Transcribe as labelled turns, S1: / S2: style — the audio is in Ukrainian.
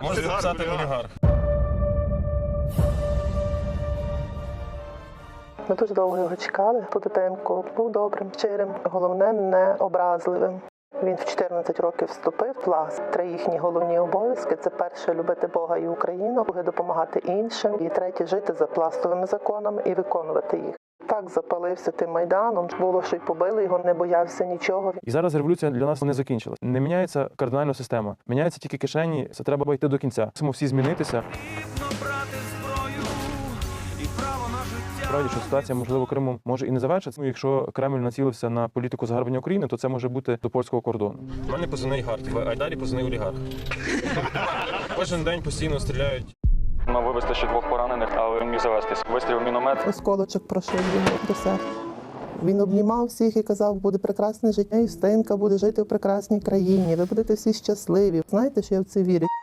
S1: Може записати олігарх.
S2: Ми дуже довго його чекали. Путитенко був добрим, щирим, головне, не образливим. Він в 14 років вступив в пласт. 3 їхні головні обов'язки – це перше – любити Бога і Україну, друге – допомагати іншим, і третє – жити за пластовими законами і виконувати їх. Так запалився тим Майданом, було, що й побили його, не боявся нічого.
S1: І зараз революція для нас не закінчилась. Не міняється кардинальна система. Міняються тільки кишені, це треба йти до кінця. Мусимо всі змінитися. Справді, що ситуація, можливо, Криму може і не завершиться. Якщо Кремль націлився на політику загарбання України, то це може бути до польського кордону. У мене позивний Гарт, в Айдарі позивний олігарх. Кожен день постійно стріляють.
S3: Мав вивезти ще 2 поранених, але він міг завестись. Вистрілив міномет.
S2: Осколочок прошив йому до серця. Він обнімав всіх і казав, буде прекрасне життя, і Стенька буде жити в прекрасній країні, ви будете всі щасливі. Знаєте, що я в це вірю?